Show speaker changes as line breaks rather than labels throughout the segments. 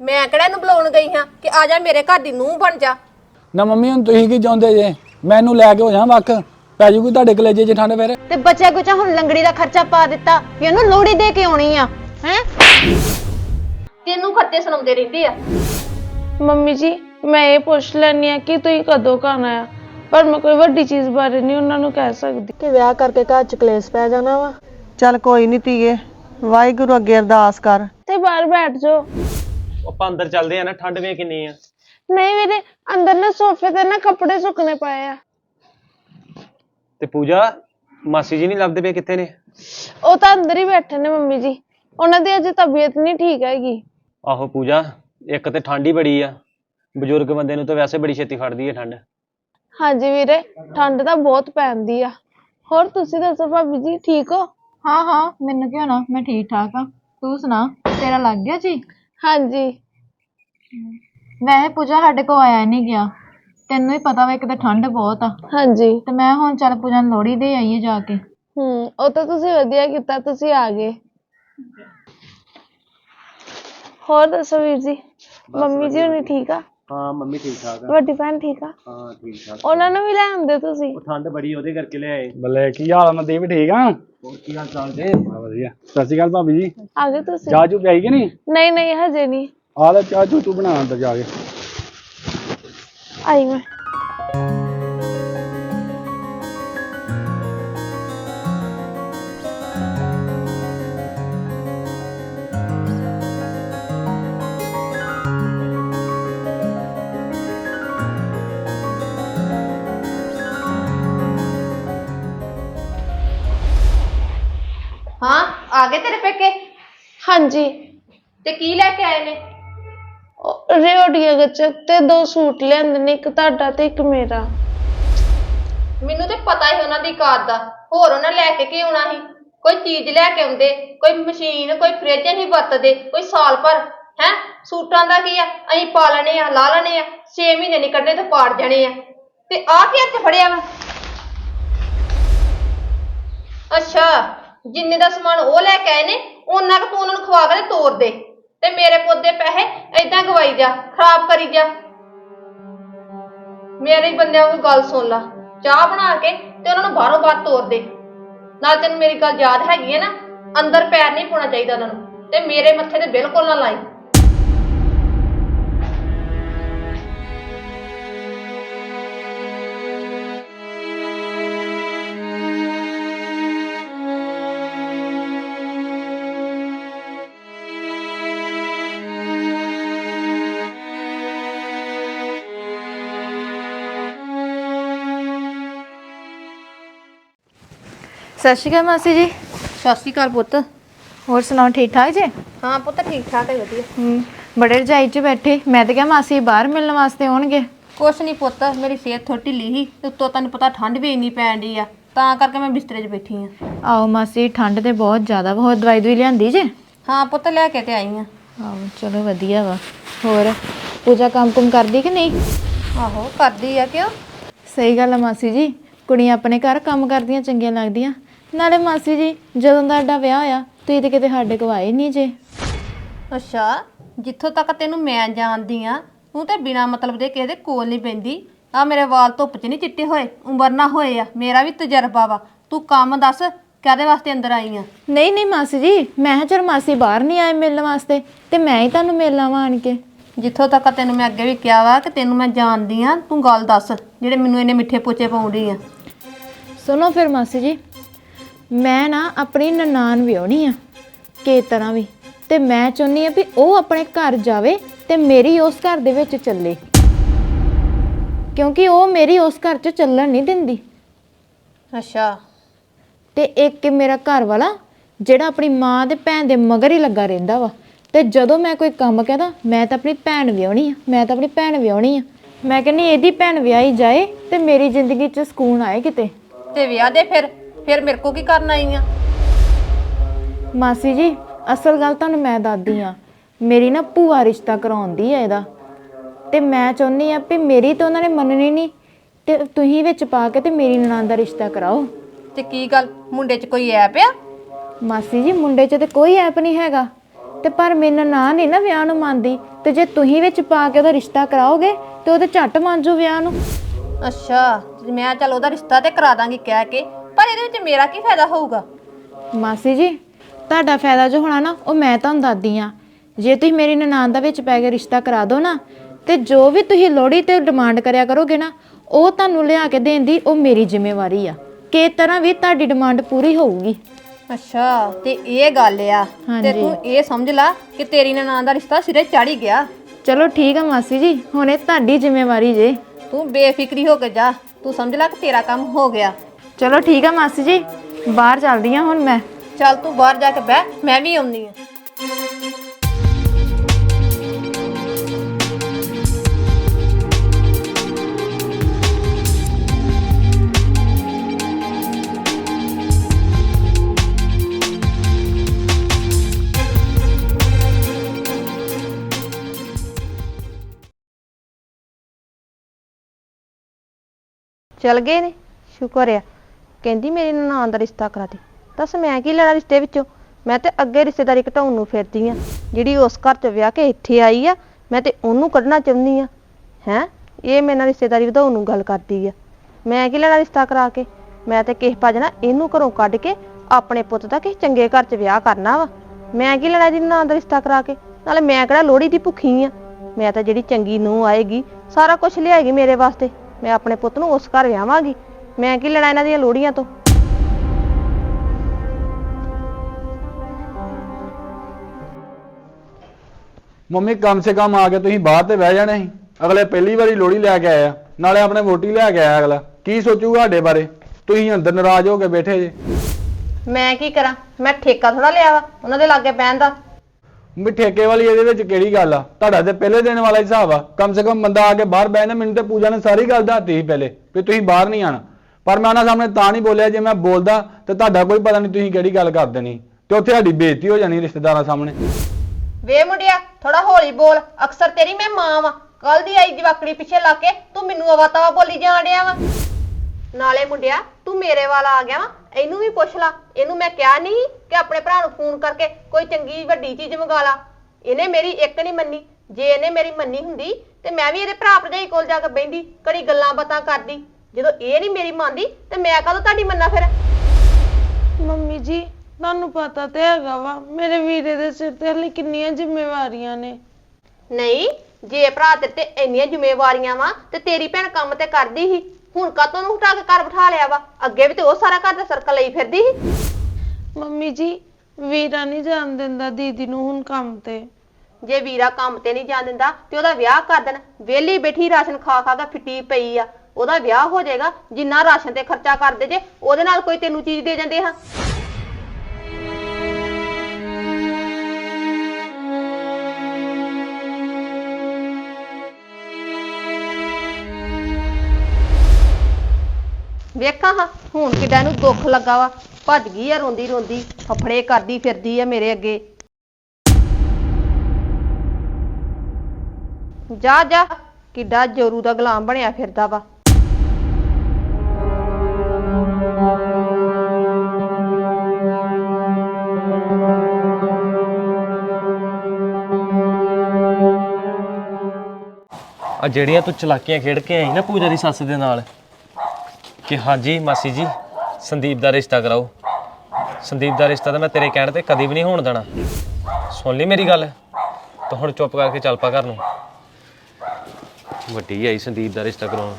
ਮੈਂ ਕਿਹੜਾ ਨੂੰ ਬੁਲਾਉਣ ਗਈ ਹਾਂ ਕਿ ਆ ਜਾ ਮੇਰੇ ਘਰ ਦੀ ਨੂੰਹ ਬਣ ਜਾ।
ਨਾ ਮੰਮੀ ਹੁਣ ਤੁਸੀਂ ਕੀ ਚਾਹੁੰਦੇ ਜੇ? ਮੈਨੂੰ ਲੈ ਕੇ ਹੋ ਜਾ ਵੱਖ, ਪੈ ਜੂਗੀ ਤੁਹਾਡੇ ਕਲੇਜੇ 'ਚ ਠੰਡ ਫਿਰ।
ਤੇ ਬੱਚਾ ਕੁਚਾ ਹੁਣ ਲੰਗੜੀ ਦਾ ਖਰਚਾ ਪਾ ਦਿੱਤਾ ਵੀ ਉਹਨੂੰ ਲੋਹੜੀ ਦੇ ਕੇ ਆਉਣੀ ਆ ਹੈ।
ਤੈਨੂੰ ਖੱਤੇ ਸੁਣਾਉਂਦੇ ਰਹਿੰਦੇ ਆ।
ਮੰਮੀ ਜੀ ਮੈਂ ਇਹ ਪੁੱਛ ਲੈਣੀ ਆ ਕਿ ਤੁਸੀਂ ਕਦੋਂ ਖਾਣਾ ਆ, ਪਰ ਮੈਂ ਕੋਈ ਵੱਡੀ ਚੀਜ਼ ਬਾਰੇ ਨਹੀਂ ਉਹਨਾਂ ਨੂੰ ਕਹਿ ਸਕਦੀ
ਕਿ ਵਿਆਹ ਕਰਕੇ ਘਰ ਚ ਕਲੇਸ਼ ਪੈ ਜਾਣਾ ਵਾ।
ਚੱਲ ਕੋਈ ਨਹੀਂ ਧੀਏ, ਵਾਹਿਗੁਰੂ ਅੱਗੇ ਅਰਦਾਸ ਕਰ।
ਤੇ ਬਾਹਰ ਬੈਠ ਜਾਓ।
ਆਪਾਂ ਅੰਦਰ ਚੱਲਦੇ ਆ ਨਾ, ਠੰਡ ਵੇ ਕਿੰਨੀ ਆ।
ਨਹੀਂ ਵੀਰੇ ਅੰਦਰ ਨਾ ਸੋਫੇ ਤੇ ਨਾ ਕੱਪੜੇ ਸੁੱਕਣੇ ਪਏ ਆ।
ਤੇ ਪੂਜਾ ਮਾਸੀ ਜੀ ਨਹੀਂ ਲੱਭਦੇ ਪਏ, ਕਿੱਥੇ ਨੇ?
ਉਹ ਤਾਂ ਅੰਦਰ ਹੀ ਬੈਠੇ ਨੇ ਮੰਮੀ ਜੀ, ਉਹਨਾਂ ਦੀ ਅਜੇ ਤਬੀਅਤ ਨਹੀਂ ਠੀਕ ਹੈਗੀ।
ਆਹੋ ਪੂਜਾ, ਇੱਕ ਤੇ ਠੰਡ ਹੀ ਬੜੀ ਆ, ਬਜ਼ੁਰਗ ਬੰਦੇ ਨੂੰ ਤਾਂ ਵੈਸੇ ਬੜੀ ਛੇਤੀ ਫੜਦੀ ਆ ਠੰਡ।
ਹਾਂਜੀ ਵੀਰੇ ਠੰਡ ਤਾਂ ਬਹੁਤ ਪੈਂਦੀ ਆ। ਹੋਰ ਤੁਸੀਂ ਦੱਸੋ ਭਾਬੀ ਜੀ ਠੀਕ ਹੋ?
ਹਾਂ ਮੈਨੂੰ ਕਿਉਂ ਨਾ, ਮੈਂ ਠੀਕ ਠਾਕ ਆ। ਤੂੰ ਸੁਣਾ ਤੇਰਾ ਲੱਗ ਗਿਆ ਜੀ?
ਹਾਂਜੀ।
ਵੈਸੇ ਪੂਜਾ ਸਾਡੇ ਕੋ ਆਇਆ ਨਹੀਂ ਗਿਆ, ਤੈਨੂੰ ਹੀ ਪਤਾ ਵਾ ਇੱਕ ਤਾਂ ਠੰਡ ਬਹੁਤ ਆ।
ਹਾਂਜੀ
ਤੇ ਮੈਂ ਹੁਣ ਚੱਲ ਪੂਜਾ ਨੂੰ ਲੋਹੜੀ ਦੇ ਆਈਏ ਜਾ ਕੇ।
ਉਹ ਤਾਂ ਤੁਸੀਂ ਵਧੀਆ ਕੀਤਾ, ਤੁਸੀਂ ਆ ਗਏ। ਹੋਰ ਦੱਸੋ ਵੀਰ ਜੀ, ਮੰਮੀ ਜੀ ਹੁਣੀ ਠੀਕ ਆ?
ਹਾਂ ਮੰਮੀ ਠੀਕ ਠਾਕ ਆ।
ਵੱਡੀ ਭੈਣ ਠੀਕ ਆ?
ਹਾਂ ਠੀਕ ਠਾਕ।
ਉਹਨਾਂ ਨੂੰ ਵੀ ਲੈ ਆਉਂਦੇ ਤੁਸੀਂ?
ਉਹ ਠੰਡ ਬੜੀ ਉਹਦੇ ਕਰਕੇ ਲਿਆਏ।
ਬੱਲੇ ਕੀ ਹਾਲ ਆ ਮਨਦੀਪ, ਠੀਕ ਆ?
ਹੋਰ ਕੀ ਹਾਲ ਚਾਲ ਜੇ?
ਵਧੀਆ। ਸਤਿ ਸ਼੍ਰੀ ਅਕਾਲ ਭਾਬੀ ਜੀ।
ਆ ਗਏ ਤੁਸੀਂ?
ਚਾਹ ਚੂ ਪਿਆਈ ਕਿ ਨਹੀਂ?
ਨਹੀਂ ਹਜੇ ਨਹੀਂ।
ਆ ਲੈ ਚਾਹ ਚੂ ਤੂੰ ਬਣਾ ਅੰਦਰ ਜਾ ਕੇ।
ਆਈ ਮੈਂ।
ਹਾਂ ਆ ਗਏ ਤੇਰੇ ਪੇਕੇ?
ਹਾਂਜੀ।
ਤੇ ਕੀ ਲੈ ਕੇ ਆਏ ਨੇ?
ਰਿਓੜੀਆਂ ਗੱਚਕ ਤੇ 2 ਸੂਟ ਲਿਆਂਦੇ ਨੇ, ਇੱਕ ਤੁਹਾਡਾ ਤੇ ਇੱਕ ਮੇਰਾ।
ਮੈਨੂੰ ਤੇ ਪਤਾ ਹੀ ਉਹਨਾਂ ਦੀ ਕਾਤ ਦਾ, ਹੋਰ ਉਹਨਾਂ ਲੈ ਕੇ ਕੀ ਆਉਣਾ ਸੀ? ਕੋਈ ਚੀਜ਼ ਲੈ ਕੇ ਆਉਂਦੇ, ਕੋਈ ਮਸ਼ੀਨ, ਕੋਈ ਫ੍ਰਿਜ ਨਹੀਂ ਵਰਤਦੇ, ਕੋਈ ਸਾਲ ਭਰ ਹੈ। ਸੂਟਾਂ ਦਾ ਕੀ ਆ, ਅਸੀਂ ਪਾ ਲੈਣੇ ਆ, ਲਾ ਲੈਣੇ ਆ, 6 ਮਹੀਨੇ ਨਹੀਂ ਕੱਢਣੇ ਤੇ ਪਾੜ ਜਾਣੇ ਆ। ਤੇ ਆਹ ਕੀ ਹੱਥ ਫੜਿਆ ਵਾ? ਅੱਛਾ ਜਿੰਨੇ ਦਾ ਸਮਾਨ ਉਹ ਲੈ ਕੇ ਆਏ ਨੇ ਉਹਨਾਂ ਕੁ ਤੂੰ ਉਹਨਾਂ ਨੂੰ ਖਵਾ ਕੇ ਤੇ ਤੋਰ ਦੇ, ਤੇ ਮੇਰੇ ਪੁੱਤ ਦੇ ਪੈਸੇ ਏਦਾਂ ਗਵਾਈ ਜਾ, ਖਰਾਬ ਕਰੀ ਜਾ। ਮੇਰੇ ਬੰਦਿਆਂ ਕੋਈ ਗੱਲ ਸੁਣ ਲਾ, ਚਾਹ ਬਣਾ ਕੇ ਤੇ ਉਹਨਾਂ ਨੂੰ ਬਾਹਰੋਂ ਬਾਹਰ ਤੋਰ ਦੇ। ਨਾਲ ਤੈਨੂੰ ਮੇਰੀ ਗੱਲ ਯਾਦ ਹੈਗੀ ਹੈ ਨਾ, ਅੰਦਰ ਪੈਰ ਨਹੀਂ ਪਾਉਣਾ ਚਾਹੀਦਾ ਉਹਨਾਂ ਨੂੰ, ਤੇ ਮੇਰੇ ਮੱਥੇ ਤੇ ਬਿਲਕੁਲ ਨਾ ਲਾਈ।
ਸਤਿ ਸ਼੍ਰੀ ਅਕਾਲ ਮਾਸੀ ਜੀ।
ਸਤਿ ਸ਼੍ਰੀ ਅਕਾਲ ਪੁੱਤ।
ਹੋਰ ਸੁਣਾਓ ਠੀਕ ਠਾਕ ਜੇ?
ਹਾਂ ਪੁੱਤ ਠੀਕ ਠਾਕ ਹੈ, ਵਧੀਆ।
ਬੜੇ ਰਜਾਈ 'ਚ ਬੈਠੇ, ਮੈਂ ਤਾਂ ਕਿਹਾ ਮਾਸੀ ਬਾਹਰ ਮਿਲਣ ਵਾਸਤੇ ਆਉਣਗੇ।
ਕੁਛ ਨਹੀਂ ਪੁੱਤ, ਮੇਰੀ ਸਿਹਤ ਥੋੜੀ ਢਿੱਲੀ ਸੀ ਤੇ ਉੱਤੋਂ ਤੈਨੂੰ ਪਤਾ ਠੰਡ ਵੀ ਇੰਨੀ ਪੈਣ ਡਈ ਆ, ਤਾਂ ਕਰਕੇ ਮੈਂ ਬਿਸਤਰੇ 'ਚ ਬੈਠੀ ਆ।
ਆਓ ਮਾਸੀ ਠੰਡ ਤੇ ਬਹੁਤ ਜ਼ਿਆਦਾ ਵਾ। ਹੋਰ ਦਵਾਈ ਦੂਈ ਲਿਆਂਦੀ ਜੇ?
ਹਾਂ ਪੁੱਤ ਲੈ ਕੇ ਤੇ ਆਈ ਆ।
ਆਹੋ ਚਲੋ ਵਧੀਆ ਵਾ। ਹੋਰ ਪੂਜਾ ਕੰਮ ਕੁਮ ਕਰਦੀ ਕਿ ਨਹੀਂ?
ਆਹੋ ਕਰਦੀ ਆ। ਕਿਉਂ?
ਸਹੀ ਗੱਲ ਆ ਮਾਸੀ ਜੀ, ਕੁੜੀਆਂ ਆਪਣੇ ਘਰ ਕੰਮ ਕਰਦੀਆਂ ਚੰਗੀਆਂ ਲੱਗਦੀਆਂ। ਨਾਲੇ ਮਾਸੀ ਜੀ ਜਦੋਂ ਦਾ ਸਾਡਾ ਵਿਆਹ ਹੋਇਆ ਤੁਸੀਂ ਤੇ ਕਿਤੇ ਸਾਡੇ ਕੋਲ ਆਏ ਨਹੀਂ ਜੇ।
ਅੱਛਾ ਜਿੱਥੋਂ ਤੱਕ ਤੈਨੂੰ ਮੈਂ ਜਾਣਦੀ ਆ, ਤੂੰ ਤੇ ਬਿਨਾ ਮਤਲਬ ਦੇ ਕਿਸੇ ਦੇ ਕੋਲ ਨਹੀਂ ਪੈਂਦੀ। ਆ ਮੇਰੇ ਵਾਲ ਧੁੱਪ 'ਚ ਨਹੀਂ ਚਿੱਟੇ ਹੋਏ, ਉਮਰ ਨਾ ਹੋਏ ਆ, ਮੇਰਾ ਵੀ ਤਜਰਬਾ ਵਾ। ਤੂੰ ਕੰਮ ਦੱਸ ਕਾਹਦੇ ਵਾਸਤੇ ਅੰਦਰ ਆਈ ਆ?
ਨਹੀਂ ਮਾਸੀ ਜੀ, ਮੈਂ ਕਿਹਾ ਚਲ ਮਾਸੀ ਬਾਹਰ ਨਹੀਂ ਆਏ ਮਿਲਣ ਵਾਸਤੇ ਤੇ ਮੈਂ ਹੀ ਤੁਹਾਨੂੰ ਮਿਲ ਆਵਾਂ ਆਣ ਕੇ।
ਜਿੱਥੋਂ ਤੱਕ ਤੈਨੂੰ ਮੈਂ ਅੱਗੇ ਵੀ ਕਿਹਾ ਵਾ ਕਿ ਤੈਨੂੰ ਮੈਂ ਜਾਣਦੀ ਆ, ਤੂੰ ਗੱਲ ਦੱਸ ਜਿਹੜੇ ਮੈਨੂੰ ਇਹਨੇ ਮਿੱਠੇ ਪੋਚੇ ਪਾਉਂਦੀ ਆ।
ਸੁਣੋ ਫਿਰ ਮਾਸੀ ਜੀ, ਮੈਂ ਨਾ ਆਪਣੀ ਨਨਾਣ ਵਿਆਹਣੀ ਆ ਕਿਸ ਤਰ੍ਹਾਂ ਵੀ, ਤੇ ਮੈਂ ਚਾਹੁੰਦੀ ਆ ਵੀ ਉਹ ਆਪਣੇ ਘਰ ਜਾਵੇ ਤੇ ਮੇਰੀ ਉਸ ਘਰ ਦੇ ਵਿੱਚ ਚੱਲੇ, ਕਿਉਂਕਿ ਉਹ ਮੇਰੀ ਉਸ ਘਰ 'ਚ ਚੱਲਣ ਨਹੀਂ ਦਿੰਦੀ।
ਅੱਛਾ।
ਤੇ ਇੱਕ ਮੇਰਾ ਘਰ ਵਾਲਾ ਜਿਹੜਾ ਆਪਣੀ ਮਾਂ ਤੇ ਭੈਣ ਦੇ ਮਗਰ ਹੀ ਲੱਗਾ ਰਹਿੰਦਾ ਵਾ, ਤੇ ਜਦੋਂ ਮੈਂ ਕੋਈ ਕੰਮ ਕਹਦਾ ਮੈਂ ਤਾਂ ਆਪਣੀ ਭੈਣ ਵਿਆਹਣੀ ਆ, ਮੈਂ ਤਾਂ ਆਪਣੀ ਭੈਣ ਵਿਆਹਣੀ ਆ। ਮੈਂ ਕਹਿੰਦੀ ਇਹਦੀ ਭੈਣ ਵਿਆਹੀ ਜਾਏ ਤੇ ਮੇਰੀ ਜ਼ਿੰਦਗੀ 'ਚ ਸਕੂਨ ਆਏ ਕਿਤੇ।
ਤੇ ਵਿਆਹ ਦੇ ਫਿਰ ਮੇਰੇ ਕੋ ਕੀ ਕਰਨ ਆਈ ਆ?
ਮਾਸੀ ਜੀ ਅਸਲ ਗੱਲ ਤੁਹਾਨੂੰ ਮੈਂ ਦੱਸਦੀ ਆ, ਮੇਰੀ ਨਾ ਭੂਆ ਰਿਸ਼ਤਾ ਕਰਾਉਂਦੀ ਆ ਇਹਦਾ, ਤੇ ਮੈਂ ਚਾਹੁੰਦੀ ਆ ਵੀ ਮੇਰੀ ਤਾਂ ਉਹਨਾਂ ਨੇ ਮੰਨਣੀ ਨਹੀਂ, ਤੇ ਤੁਸੀਂ ਵਿੱਚ ਪਾ ਕੇ ਤੇ ਮੇਰੀ ਨਨਾਣ ਦਾ ਰਿਸ਼ਤਾ ਕਰਾਓ।
ਤੇ ਕੀ ਗੱਲ ਮੁੰਡੇ 'ਚ ਕੋਈ ਐਪ ਆ?
ਮਾਸੀ ਜੀ ਮੁੰਡੇ 'ਚ ਤੇ ਕੋਈ ਐਪ ਨਹੀਂ ਹੈਗਾ, ਤੇ ਪਰ ਮੇਰੇ ਨਨਾਣ ਨਹੀਂ ਨਾ ਵਿਆਹ ਨੂੰ ਮੰਨਦੀ, ਤੇ ਜੇ ਤੁਸੀਂ ਵਿੱਚ ਪਾ ਕੇ ਉਹਦਾ ਰਿਸ਼ਤਾ ਕਰਾਓਗੇ ਤੇ ਉਹਦੇ ਝੱਟ ਮੰਨ ਜੂ ਵਿਆਹ ਨੂੰ।
ਅੱਛਾ, ਮੈਂ ਚੱਲ ਉਹਦਾ ਰਿਸ਼ਤਾ ਤੇ ਕਰਾ ਦਾਂਗੀ ਕਹਿ ਕੇ, ਪਰ ਇਹਦੇ ਵਿੱਚ ਮੇਰਾ ਕੀ ਫਾਇਦਾ ਹੋਊਗਾ?
ਮਾਸੀ ਜੀ, ਤੁਹਾਡਾ ਫਾਇਦਾ ਜੋ ਹੋਣਾ ਨਾ ਉਹ ਮੈਂ ਤੁਹਾਨੂੰ ਦੱਸਦੀ ਆ। ਜੇ ਤੁਸੀਂ ਮੇਰੀ ਨਨਾਣ ਦਾ ਵਿੱਚ ਪੈ ਕੇ ਰਿਸ਼ਤਾ ਕਰਾ ਦਿਓ ਨਾ, ਤੇ ਜੋ ਵੀ ਤੁਸੀਂ ਲੋਹੜੀ ਤੇ ਡਿਮਾਂਡ ਕਰਿਆ ਕਰੋਗੇ ਨਾ, ਉਹ ਤੁਹਾਨੂੰ ਲਿਆ ਕੇ ਦੇਣ ਦੀ ਉਹ ਮੇਰੀ ਜ਼ਿੰਮੇਵਾਰੀ ਆ। ਕਿਸ ਤਰ੍ਹਾਂ ਵੀ ਤੁਹਾਡੀ ਡਿਮਾਂਡ ਪੂਰੀ ਹੋਊਗੀ।
ਅੱਛਾ, ਤੇ ਇਹ ਗੱਲ ਆ। ਤੇ ਤੂੰ ਇਹ ਸਮਝ ਲੈ ਕਿ ਤੇਰੀ ਨਨਾਣ ਦਾ ਰਿਸ਼ਤਾ ਸਿਰੇ ਚੜ ਹੀ ਗਿਆ।
ਚਲੋ ਠੀਕ ਆ ਮਾਸੀ ਜੀ, ਹੁਣ ਇਹ ਤੁਹਾਡੀ ਜ਼ਿੰਮੇਵਾਰੀ ਜੇ।
ਤੂੰ ਬੇਫਿਕਰੀ ਹੋ ਕੇ ਜਾ, ਤੂੰ ਸਮਝ ਲੈ ਕਿ ਤੇਰਾ ਕੰਮ ਹੋ ਗਿਆ।
ਚਲੋ ਠੀਕ ਆ ਮਾਸੀ ਜੀ, ਬਾਹਰ ਚੱਲਦੀ ਆ ਹੁਣ ਮੈਂ।
ਚੱਲ ਤੂੰ ਬਾਹਰ ਜਾ ਕੇ ਬਹਿ, ਮੈਂ ਵੀ ਆਉਣੀ ਆ।
ਚਲ ਗਏ ਨੇ, ਸ਼ੁਕਰ ਆ। ਕਹਿੰਦੀ ਮੇਰੀ ਨਨਾਣ ਦਾ ਰਿਸ਼ਤਾ ਕਰਾ ਦੇ। ਦੱਸ ਮੈਂ ਕੀ ਲੈਣਾ ਰਿਸ਼ਤੇ ਵਿੱਚੋਂ? ਮੈਂ ਤੇ ਅੱਗੇ ਰਿਸ਼ਤੇਦਾਰੀ ਘਟਾਉਣ ਨੂੰ ਫਿਰਦੀ ਆ। ਜਿਹੜੀ ਉਸ ਘਰ ਚ ਵਿਆਹ ਕੇ ਇੱਥੇ ਆਈ ਆ, ਮੈਂ ਤੇ ਉਹਨੂੰ ਕੱਢਣਾ ਚਾਹੁੰਦੀ ਆ। ਹੈ ਇਹ ਮੇਰੇ ਨਾਲ ਰਿਸ਼ਤੇਦਾਰੀ ਵਧਾਉਣ ਨੂੰ ਗੱਲ ਕਰਦੀ ਆ। ਮੈਂ ਕੀ ਲੈਣਾ ਰਿਸ਼ਤਾ ਕਰਾ ਕੇ? ਮੈਂ ਤੇ ਕਿਸ ਭਜਣਾ ਇਹਨੂੰ ਘਰੋਂ ਕੱਢ ਕੇ ਆਪਣੇ ਪੁੱਤ ਦਾ ਕਿਸੇ ਚੰਗੇ ਘਰ ਚ ਵਿਆਹ ਕਰਨਾ ਵਾ। ਮੈਂ ਕੀ ਲੈਣਾ ਇਹਦੀ ਨਨਾਣ ਦਾ ਰਿਸ਼ਤਾ ਕਰਾ ਕੇ? ਨਾਲੇ ਮੈਂ ਕਿਹੜਾ ਲੋਹੜੀ ਦੀ ਭੁੱਖੀ ਆ। ਮੈਂ ਤਾਂ ਜਿਹੜੀ ਚੰਗੀ ਨੂੰਹ ਆਏਗੀ ਸਾਰਾ ਕੁਝ ਲਿਆਏਗੀ ਮੇਰੇ ਵਾਸਤੇ। ਮੈਂ ਆਪਣੇ ਪੁੱਤ ਨੂੰ ਉਸ ਘਰ ਵਿਆਹਾਂਗੀ। ਮੈਂ ਕੀ ਲੈਣਾ ਇਹਨਾਂ ਦੀਆਂ ਲੋੜੀਆਂ ਤੋਂ?
ਮੰਮੀ ਕਮ ਸੇ ਕਮ ਆ ਕੇ ਤੁਸੀਂ ਬਾਹਰ ਤੇ ਬਹਿ ਜਾਣੇ ਸੀ। ਅਗਲੇ ਪਹਿਲੀ ਵਾਰੀ ਲੋਹੜੀ ਲੈ ਕੇ ਆਇਆ, ਨਾਲੇ ਆਪਣੇ ਵੋਟੀ ਲੈ ਕੇ ਆਇਆ। ਅਗਲਾ ਕੀ ਸੋਚੂਗਾ ਸਾਡੇ ਬਾਰੇ? ਤੁਸੀਂ ਅੰਦਰ ਨਾਰਾਜ਼ ਹੋ ਕੇ ਬੈਠੇ ਜੇ।
ਮੈਂ ਕੀ ਕਰਾਂ? ਮੈਂ ਠੇਕਾ ਥੋੜਾ ਲਿਆ ਵਾ ਉਹਨਾਂ ਦੇ ਲਾਗੇ ਬਹਿਣ ਦਾ।
ਵੀ ਠੇਕੇ ਵਾਲੀ ਇਹਦੇ ਵਿੱਚ ਕਿਹੜੀ ਗੱਲ ਆ? ਤੁਹਾਡਾ ਤੇ ਪਹਿਲੇ ਦਿਨ ਵਾਲਾ ਹਿਸਾਬ ਆ। ਕਮ ਸੇ ਕਮ ਬੰਦਾ ਆ ਕੇ ਬਾਹਰ ਬਹਿ ਜਾਂਦਾ। ਮੈਨੂੰ ਤੇ ਪੂਜਾ ਨੇ ਸਾਰੀ ਗੱਲ ਦੱਸਤੀ ਸੀ ਪਹਿਲੇ ਵੀ ਤੁਸੀਂ ਬਾਹਰ ਨਹੀਂ ਆਣਾ, ਪਰ ਮੈਂ ਉਹਨਾਂ ਸਾਹਮਣੇ ਤਾਂ ਨਹੀਂ ਬੋਲਿਆ। ਜੇ ਮੈਂ ਬੋਲਦਾ ਤੇ ਤੁਹਾਡਾ ਕੋਈ ਪਤਾ ਨਹੀਂ ਤੁਸੀਂ ਕਿਹੜੀ ਗੱਲ ਕਰ ਦੇਣੀ, ਤੇ ਉੱਥੇ ਸਾਡੀ ਬੇਇੱਜ਼ਤੀ ਹੋ ਜਾਣੀ ਰਿਸ਼ਤੇਦਾਰਾਂ ਸਾਹਮਣੇ।
ਵੇ ਮੁੰਡਿਆ, ਥੋੜਾ ਹੌਲੀ ਬੋਲ। ਅਕਸਰ ਤੇਰੀ ਮੈਂ ਮਾਂ ਵਾ। ਕੱਲ ਦੀ ਆਈ ਜਵਾਕੜੀ ਪਿੱਛੇ ਲਾ ਕੇ ਤੂੰ ਮੈਨੂੰ ਅਵਾਤਾਵਾ ਬੋਲੀ ਜਾਣ ਡਿਆ ਵਾ। ਨਾਲੇ ਮੁੰਡਿਆ, ਤੂੰ ਮੇਰੇ ਵਾਲਾ ਆ ਗਿਆ ਵਾ। ਇਹਨੂੰ ਵੀ ਪੁੱਛ ਲਾ। ਇਹਨੂੰ ਮੈਂ ਕਿਹਾ ਨਹੀਂ ਕਿ ਆਪਣੇ ਭਰਾ ਨੂੰ ਫੋਨ ਕਰਕੇ ਕੋਈ ਚੰਗੀ ਵੱਡੀ ਚੀਜ਼ ਮੰਗਾ ਲਾ। ਇਹਨੇ ਮੇਰੀ ਇੱਕ ਨਹੀਂ ਮੰਨੀ। ਜੇ ਇਹਨੇ ਮੇਰੀ ਮੰਨੀ ਹੁੰਦੀ ਤੇ ਮੈਂ ਵੀ ਇਹਦੇ ਭਰਾ ਭਰਜਾਈ ਕੋਲ ਜਾ ਕੇ ਬਹਿੰਦੀ, ਕੜੀ ਗੱਲਾਂ ਬਾਤਾਂ ਕਰਦੀ। ਜਦੋਂ ਇਹ ਨਹੀਂ ਮੇਰੀ ਮੰਨਦੀ ਤੇ ਮੈਂ ਕਦੋਂ ਤੁਹਾਡੀ ਮੰਨਾਂ ਫਿਰ?
ਮੰਮੀ ਜੀ, ਤੁਹਾਨੂੰ ਪਤਾ ਤੇ ਹੈਗਾ ਵਾ ਮੇਰੇ ਵੀਰੇ ਦੇ ਸਿਰ ਤੇ ਹਲੇ ਕਿੰਨੀਆਂ ਜ਼ਿੰਮੇਵਾਰੀਆਂ ਨੇ।
ਨਹੀਂ, ਜੇ ਭਰਾ ਤੇਰੇ ਤੇ ਇੰਨੀਆਂ ਜ਼ਿੰਮੇਵਾਰੀਆਂ ਵਾ ਤੇ ਤੇਰੀ ਭੈਣ ਕੰਮ ਤੇ ਕਰਦੀ ਸੀ। ਹੁਣ ਕਾਤੋਂ ਨੂੰ ਹਟਾ ਕੇ ਘਰ ਬਿਠਾ ਲਿਆ ਵਾ? ਅੱਗੇ ਵੀ ਤੇ ਉਹ ਸਾਰਾ ਘਰ ਦਾ ਸਰਕਲ ਲਈ ਫਿਰਦੀ ਸੀ।
ਮੰਮੀ ਜੀ, ਵੀਰਾ ਨਹੀਂ ਜਾਣ ਦਿੰਦਾ ਦੀਦੀ ਨੂੰ ਹੁਣ ਕੰਮ ਤੇ।
ਜੇ ਵੀਰਾ ਕੰਮ ਤੇ ਨਹੀਂ ਜਾਣ ਦਿੰਦਾ ਤੇ ਉਹਦਾ ਵਿਆਹ ਕਰ ਦੇਣ। ਵਿਹਲੀ ਬੈਠੀ ਰਾਸ਼ਨ ਖਾ ਖਾ ਕੇ ਫਿੱਟੀ ਪਈ ਆ। ਉਹਦਾ ਵਿਆਹ ਹੋ ਜਾਏਗਾ। ਜਿੰਨਾ ਰਾਸ਼ਨ ਤੇ ਖਰਚਾ ਕਰਦੇ ਜੇ ਉਹਦੇ ਨਾਲ ਕੋਈ ਤੈਨੂੰ ਚੀਜ਼ ਦੇ ਜਾਂਦੇ ਹਾਂ। ਵੇਖਾਂ ਹਾਂ ਹੁਣ ਕਿੱਡਾ ਇਹਨੂੰ ਦੁੱਖ ਲੱਗਾ ਵਾ। ਭੱਜ ਗਈ ਆ ਰੋਂਦੀ ਰੋਂਦੀ, ਫਫੜੇ ਕਰਦੀ ਫਿਰਦੀ ਆ ਮੇਰੇ ਅੱਗੇ। ਜਾ ਜਾ, ਕਿੱਡਾ ਜੋਰੂ ਦਾ ਗੁਲਾਮ ਬਣਿਆ ਫਿਰਦਾ ਵਾ।
ਆ ਜਿਹੜੀਆਂ ਤੂੰ ਚਲਾਕੀਆਂ ਖੇਡ ਕੇ ਆਈ ਨਾ ਪੂਜਾ ਦੀ ਸੱਸ ਦੇ ਨਾਲ, ਕਿ ਹਾਂਜੀ ਮਾਸੀ ਜੀ ਸੰਦੀਪ ਦਾ ਰਿਸ਼ਤਾ ਕਰਾਓ। ਸੰਦੀਪ ਦਾ ਰਿਸ਼ਤਾ ਤਾਂ ਮੈਂ ਤੇਰੇ ਕਹਿਣ ਤੇ ਕਦੀ ਵੀ ਨਹੀਂ ਹੋਣ ਦੇਣਾ। ਸੁਣ ਲਈ ਮੇਰੀ ਗੱਲ? ਤਾਂ ਹੁਣ ਚੁੱਪ ਕਰਕੇ ਚੱਲ ਪਾ ਘਰ ਨੂੰ। ਵੱਡੀ ਆਈ ਸੰਦੀਪ ਦਾ ਰਿਸ਼ਤਾ ਕਰਾਉਣ।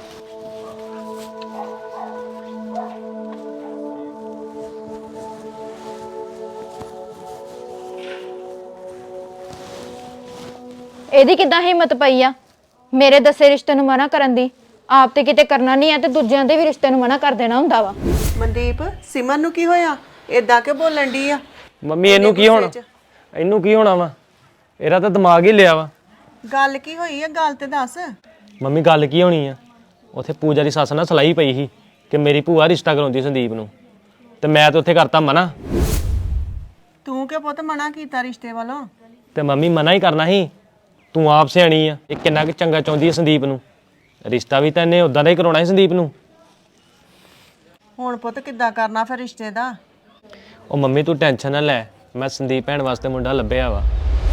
ਇਹਦੀ ਕਿੱਦਾਂ ਹਿੰਮਤ ਪਈ ਆ ਮੇਰੇ ਦੱਸੇ ਰਿਸ਼ਤੇ ਨੂੰ ਮਨਾ ਕਰਨ ਦੀ? ਆਪ ਤੇ ਕਿਤੇ ਕਰਨਾ ਨਹੀਂ ਆ ਤੇ ਦੂਜਿਆਂ ਦੇ ਵੀ ਰਿਸ਼ਤੇ ਨੂੰ ਮਨਾ ਕਰ ਦੇਣਾ ਹੁੰਦਾ ਵਾ।
ਮਨਦੀਪ, ਸਿਮਰ ਨੂੰ ਕੀ ਹੋਇਆ? ਏਦਾਂ ਕਿ ਬੋਲਣ ਦੀ ਆ?
ਮੰਮੀ ਇਹਨੂੰ ਕੀ ਹੋਣਾ? ਇਹਨੂੰ ਕੀ ਹੋਣਾ ਵਾ? ਇਹਦਾ ਤਾਂ ਦਿਮਾਗ ਹੀ ਲਿਆ ਵਾ।
ਗੱਲ ਕੀ ਹੋਈ ਆ? ਗੱਲ ਤੇ ਦੱਸ।
ਮੰਮੀ ਗੱਲ ਕੀ ਹੋਣੀ ਆ? ਉੱਥੇ ਪੂਜਾ ਦੀ ਸੱਸ ਨਾਲ ਸਲਾਈ ਪਈ ਸੀ ਕਿ ਮੇਰੀ ਭੂਆ ਰਿਸ਼ਤਾ ਕਰਾਉਂਦੀ ਸੰਦੀਪ ਨੂੰ, ਤੇ ਮੈਂ ਤਾਂ ਉੱਥੇ ਕਰਤਾ ਮਨਾ।
ਤੂੰ ਕਿ ਪੁੱਤ ਮਨਾ ਕੀਤਾ ਰਿਸ਼ਤੇ ਵੱਲੋਂ?
ਤੇ ਮੰਮੀ ਮਨਾ ਹੀ ਕਰਨਾ ਸੀ। ਤੂੰ ਆਪ ਸਿਆਣੀ ਆ। ਇਹ ਕਿੰਨਾ ਕੁ ਚੰਗਾ ਚਾਹੁੰਦੀ ਹੈ ਸੰਦੀਪ ਨੂੰ। ਰਿਸ਼ਤਾ ਵੀ ਤਾਂ ਇਹਨੇ ਉਦਾਂ ਦਾ ਹੀ ਕਰਾਉਣਾ ਸੀ ਸੰਦੀਪ ਨੂੰ।
ਹੁਣ ਪੁੱਤ ਕਿੱਦਾਂ ਕਰਨਾ ਫਿਰ ਰਿਸ਼ਤੇ ਦਾ?
ਉਹ ਮੰਮੀ ਤੂੰ ਟੈਨਸ਼ਨ ਨਾ ਲੈ, ਮੈਂ ਸੰਦੀਪ ਭੈਣ ਵਾਸਤੇ ਮੁੰਡਾ ਲੱਭਿਆ ਵਾ।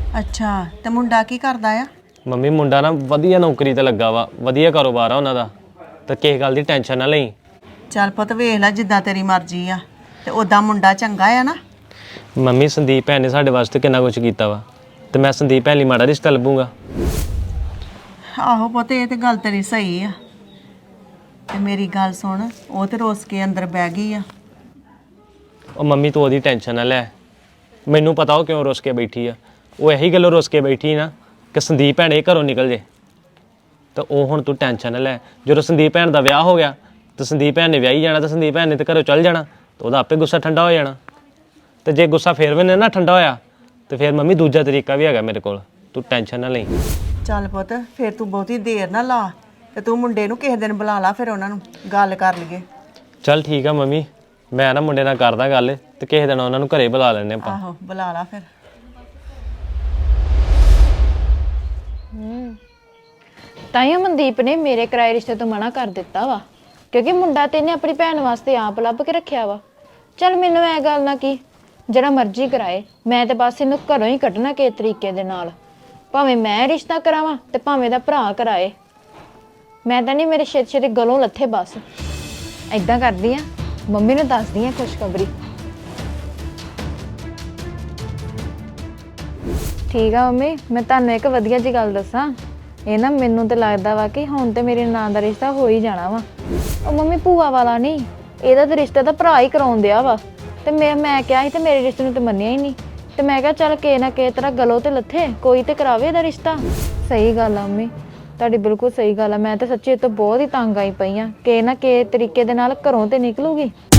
ਅੱਛਾ ਤੇ ਮੁੰਡਾ ਕੀ ਕਰਦਾ ਆ?
ਮੰਮੀ ਮੁੰਡਾ ਨਾ ਵਧੀਆ ਨੌਕਰੀ ਤੇ ਲੱਗਾ ਵਾ, ਵਧੀਆ ਕਾਰੋਬਾਰ ਆ ਉਹਨਾਂ ਦਾ, ਤੇ ਕਿਸੇ ਗੱਲ ਦੀ ਟੈਨਸ਼ਨ ਨਾ ਲਈ।
ਚੱਲ ਪੁੱਤ ਵੇਖ ਲੈ ਜਿੱਦਾਂ ਤੇਰੀ ਮਰਜ਼ੀ ਆ, ਤੇ ਉਦਾਂ ਮੁੰਡਾ ਚੰਗਾ ਆ ਨਾ?
ਮੰਮੀ ਸੰਦੀਪ ਭੈਣ ਨੇ ਸਾਡੇ ਵਾਸਤੇ ਕਿੰਨਾ ਕੁਝ ਕੀਤਾ ਵਾ, ਤੇ ਮੈਂ ਸੰਦੀਪ ਭੈਣ ਲਈ ਮਾੜਾ ਰਿਸ਼ਤਾ ਲੱਭੂਗਾ।
ਆਹੋ ਪੁੱਤ ਇਹ ਤੇ ਗੱਲ ਤੇਰੀ ਸਹੀ ਆ। ਤੇ ਮੇਰੀ ਗੱਲ ਸੁਣ, ਉਹ ਤੇ ਰੋਸ ਕੇ ਅੰਦਰ ਬਹਿ ਗਈ ਆ।
ਉਹ ਮੰਮੀ ਤੂੰ ਉਹਦੀ ਟੈਨਸ਼ਨ ਨਾ ਲੈ, ਮੈਨੂੰ ਪਤਾ ਉਹ ਕਿਉਂ ਰੁੱਸ ਕੇ ਬੈਠੀ ਆ। ਉਹ ਇਹੀ ਗੱਲੋਂ ਰੁੱਸ ਕੇ ਬੈਠੀ ਨਾ ਕਿ ਸੰਦੀਪ ਭੈਣ ਇਹ ਘਰੋਂ ਨਿਕਲ ਜੇ। ਤਾਂ ਉਹ ਹੁਣ ਤੂੰ ਟੈਨਸ਼ਨ ਨਾ ਲੈ, ਜਦੋਂ ਸੰਦੀਪ ਭੈਣ ਦਾ ਵਿਆਹ ਹੋ ਗਿਆ ਤੇ ਸੰਦੀਪ ਭੈਣ ਨੇ ਵਿਆਹੀ ਜਾਣਾ, ਤੇ ਸੰਦੀਪ ਭੈਣ ਨੇ ਤੇ ਘਰੋਂ ਚੱਲ ਜਾਣਾ, ਤੇ ਉਹਦਾ ਆਪੇ ਗੁੱਸਾ ਠੰਡਾ ਹੋ ਜਾਣਾ। ਤੇ ਜੇ ਗੁੱਸਾ ਫੇਰ ਵੀ ਨਾ ਠੰਡਾ ਹੋਇਆ ਤੇ ਫਿਰ ਮੰਮੀ ਦੂਜਾ ਤਰੀਕਾ ਵੀ ਹੈਗਾ ਮੇਰੇ ਕੋਲ, ਤੂੰ ਟੈਨਸ਼ਨ ਨਾ ਲਈ।
ਚੱਲ ਪੁੱਤ ਫਿਰ ਤੂੰ ਬਹੁਤੀ ਦੇਰ ਨਾ ਲਾ, ਤੇ ਤੂੰ ਮੁੰਡੇ ਨੂੰ ਕਿਸੇ ਦਿਨ ਬੁਲਾ ਲਾ, ਫਿਰ ਉਹਨਾਂ ਨੂੰ ਗੱਲ ਕਰ ਲਈਏ।
ਚੱਲ ਠੀਕ ਆ ਮੰਮੀ, ਮੈਂ ਨਾ ਮੁੰਡੇ ਨਾਲ ਕਰਦਾ ਗੱਲ, ਤੇ ਕਿਸੇ ਦਿਨ ਉਹਨਾਂ ਨੂੰ ਘਰੇ ਬੁਲਾ ਲੈਂਦੇ ਆਪਾਂ।
ਆਹੋ ਬੁਲਾ ਲਾ ਫਿਰ।
ਤਾਈਓ ਮਨਦੀਪ ਨੇ ਮੇਰੇ ਕਿਰਾਏ ਰਿਸ਼ਤੇ ਤੋਂ ਮਨਾ ਕਰ ਦਿੱਤਾ ਵਾ, ਕਿਉਂਕਿ ਮੁੰਡਾ ਤੇ ਇਹਨੇ ਆਪਣੀ ਭੈਣ ਵਾਸਤੇ ਆਪ ਲੱਭ ਕੇ ਰੱਖਿਆ ਵਾ। ਚੱਲ ਮੈਨੂੰ ਇਹ ਗੱਲ ਨਾ ਕੀ, ਜਿਹੜਾ ਮਰਜ਼ੀ ਕਰਾਏ, ਮੈਂ ਤੇ ਬਸ ਇਹਨੂੰ ਘਰੋਂ ਹੀ ਕੱਢਣਾ ਕਿਸ ਤਰੀਕੇ ਦੇ ਨਾਲ, ਭਾਵੇਂ ਮੈਂ ਰਿਸ਼ਤਾ ਕਰਾਵਾਂ ਤੇ ਭਾਵੇਂ ਦਾ ਭਰਾ ਕਰਾਏ। ਮੈਂ ਤਾਂ ਨਹੀਂ, ਮੇਰੇ ਛੇਤੀ ਗਲੋਂ ਲੱਥੇ ਬਸ। ਏਦਾਂ ਕਰਦੀ ਆ, ਮੰਮੀ ਨੂੰ ਦੱਸਦੀ ਆ ਖੁਸ਼ਖਬਰੀ। ਠੀਕ ਆ ਮੰਮੀ, ਮੈਂ ਤੁਹਾਨੂੰ ਇੱਕ ਵਧੀਆ ਜੀ ਗੱਲ ਦੱਸਾਂ, ਇਹ ਨਾ ਮੈਨੂੰ ਤੇ ਲੱਗਦਾ ਵਾ ਕਿ ਹੁਣ ਤੇ ਮੇਰੇ ਨਾਂ ਦਾ ਰਿਸ਼ਤਾ ਹੋ ਹੀ ਜਾਣਾ ਵਾ। ਉਹ ਮੰਮੀ ਭੂਆ ਵਾਲਾ ਨਹੀਂ, ਇਹਦਾ ਤੇ ਰਿਸ਼ਤਾ ਤਾਂ ਭਰਾ ਹੀ ਕਰਾਉਣ ਦਿਆ ਵਾ। ਤੇ ਮੈਂ ਕਿਹਾ ਸੀ ਤੇ ਮੇਰੇ ਰਿਸ਼ਤੇ ਨੂੰ ਤੇ ਮੰਨਿਆ ਹੀ ਨਹੀਂ, ਤੇ ਮੈਂ ਕਿਹਾ ਚੱਲ ਕੇ ਨਾ ਕੇ ਤਰ੍ਹਾਂ ਗਲੋਂ ਤੇ ਲੱਥੇ, ਕੋਈ ਤੇ ਕਰਾਵੇ ਇਹਦਾ ਰਿਸ਼ਤਾ। ਸਹੀ ਗੱਲ ਆ ਮੰਮੀ, ਤੁਹਾਡੀ ਬਿਲਕੁਲ ਸਹੀ ਗੱਲ ਆ। ਮੈਂ ਤਾਂ ਸੱਚੀ ਇਹ ਤੋਂ ਬਹੁਤ ਹੀ ਤੰਗ ਆਈ ਪਈ ਆ ਕਿ ਨਾ ਕਿ ਤਰੀਕੇ ਦੇ ਨਾਲ ਘਰੋਂ ਤੇ ਨਿਕਲੂਗੀ।